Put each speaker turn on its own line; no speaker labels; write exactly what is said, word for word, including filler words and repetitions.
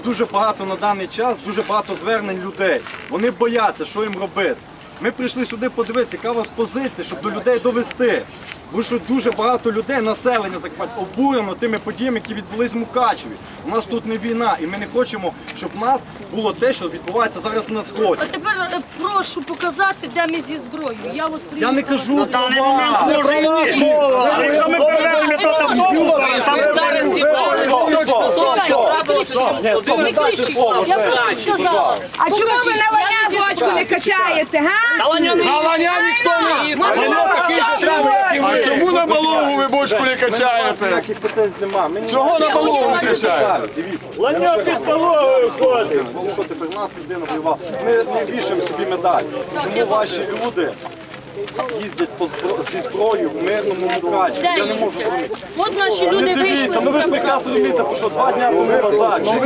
Дуже багато на даний час, дуже багато звернень людей. Вони бояться, що їм робити. Ми прийшли сюди подивитися, яка у вас позиція, щоб до людей довести. Бо що дуже багато людей, населення Закарпаття, обурено тими подіями, які відбулись в Мукачеві. У нас тут не війна, і ми не хочемо, щоб в нас було те, що відбувається зараз на сході.
А тепер е, прошу показати, де ми зі зброєю. Я от
Я не кажу про вас.
Може і ні. Але якщо ми перевернемо то автобус, там
зараз не кричіть. Я просто сказала.
А чому ви на ланя бочку не качаєте, га?
Галаня ніхто не їсть.
А чому на балогу ви бочку не качаєте?
Ніяких питань нема. Ми ні-
Чого на балогу не качаєте?
Дивіться.
Ланя під половою ходить.
Що тепер нас людина воювала? Ми не вішаємо собі медаль. Чому ваші люди їздять по збро- зі зброєю в мирному Мукачеві?
Де
Я не можу
їздять?
зрозуміти.
От наші люди
Дивіться,
вийшли.
ну ви ж прекрасно розумієте, що два дня тому назад.